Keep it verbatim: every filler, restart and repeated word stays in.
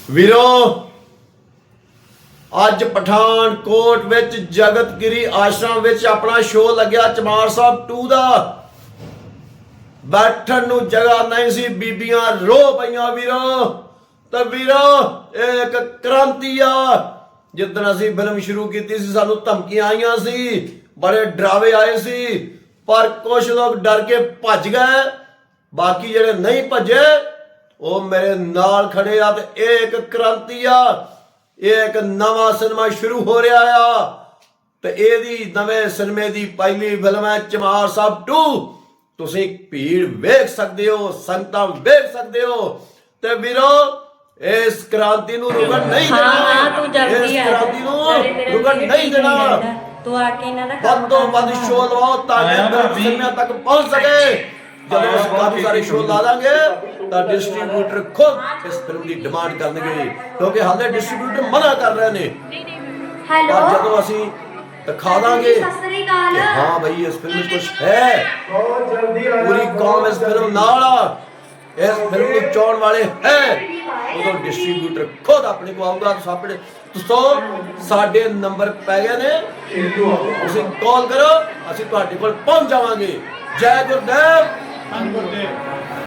ਵੀਰੋ ਅੱਜ ਪਠਾਨਕੋਟ ਵਿੱਚ ਜਗਤਗਿਰੀ ਆਸ਼ਰਮ ਵਿੱਚ ਆਪਣਾ ਸ਼ੋਅ ਲੱਗਿਆ ਚਮਾਰ ਸਾਹਿਬ ਟੂ ਦਾ। ਬੈਠਣ ਨੂੰ ਜਗ੍ਹਾ ਨਹੀਂ ਸੀ, ਬੀਬੀਆਂ ਰੋ ਪਈਆਂ ਵੀਰੋ। ਤੇ ਵੀਰੋ ਇਹ ਇੱਕ ਕ੍ਰਾਂਤੀ ਆ। ਜਿੱਦਣ ਅਸੀਂ ਫਿਲਮ ਸ਼ੁਰੂ ਕੀਤੀ ਸੀ ਸਾਨੂੰ ਧਮਕੀਆਂ ਆਈਆਂ ਸੀ, ਬੜੇ ਡਰਾਵੇ ਆਏ ਸੀ, ਪਰ ਕੁਝ ਲੋਕ ਡਰ ਕੇ ਭੱਜ ਗਏ। ਬਾਕੀ ਜਿਹੜੇ ਨਹੀਂ ਭੱਜੇ ਉਹ ਮੇਰੇ ਨਾਲ ਖੜੇ ਆ। ਤੇ ਇਹ ਇੱਕ ਕ੍ਰਾਂਤੀ ਆ, ਇਹ ਇੱਕ ਨਵਾਂ ਸਿਨੇਮਾ ਸ਼ੁਰੂ ਹੋ ਰਿਹਾ ਆ। ਤੇ ਇਹਦੀ ਨਵੇਂ ਸਿਨੇਮੇ ਦੀ ਪਹਿਲੀ ਫਿਲਮ ਹੈ ਚਮਾਰ ਸਾਹਿਬ ਟੂ। ਤੁਸੀਂ ਭੀੜ ਵੇਖ ਸਕਦੇ ਹੋ, ਸੰਗਤਾਂ ਵੇਖ ਸਕਦੇ ਹੋ। ਤੇ ਵੀਰੋ ਇਸ ਕ੍ਰਾਂਤੀ ਨੂੰ ਰੁਕਣ ਨਹੀਂ ਦੇਣਾ, ਇਸ ਕ੍ਰਾਂਤੀ ਨੂੰ ਰੁਕਣ ਨਹੀਂ ਦੇਣਾ। ਤੂੰ ਆ ਕੇ ਇਹਨਾਂ ਦਾ ਵੱਧ ਤੋਂ ਵੱਧ ਸ਼ੋਅ ਲਵਾਓ ਤਾਂ ਕਿ ਸਿਨੇਮਾ ਤੱਕ ਪਹੁੰਚ ਸਕੇ। ਜਦੋਂ ਅਸੀਂ ਕਾਫੀ ਸਾਰੇ ਸ਼ੋਅ ਲਾ ਦਾਂਗੇ ਤਾਂ ਡਿਸਟ੍ਰੀਬਿਊਟਰ ਖੁਦ ਇਸ ਫਿਲਮ ਦੀ ਡਿਮਾਂਡ ਕਰਨਗੇ, ਕਿਉਂਕਿ ਹਾਲੇ ਡਿਸਟ੍ਰੀਬਿਊਟਰ ਮਨਾ ਕਰ ਰਹੇ ਨੇ। ਪਰ ਜਦੋਂ ਅਸੀਂ ਦਿਖਾ ਦਾਂਗੇ ਕਿ ਹਾਂ ਬਈ ਇਸ ਫਿਲਮ ਵਿੱਚ ਕੁਝ ਹੈ, ਪੂਰੀ ਕੌਮ ਇਸ ਫਿਲਮ ਨਾਲ ਆ, ਇਸ ਫਿਲਮ ਨੂੰ ਚਾਹਣ ਵਾਲੇ ਹੈ, ਉਦੋਂ ਡਿਸਟ੍ਰੀਬਿਊਟਰ ਖੁਦ ਆਪਣੇ ਕੋਲ ਆਊਗਾ। ਸਾਡੇ ਦੋਸਤੋ ਸਾਡੇ ਨੰਬਰ ਪੈ ਗਏ ਨੇ, ਤੁਸੀਂ ਕਾਲ ਕਰੋ, ਅਸੀਂ ਤੁਹਾਡੇ ਕੋਲ ਪਹੁੰਚ ਜਾਵਾਂਗੇ। ਜੈ ਗੁਰਦੇਵ।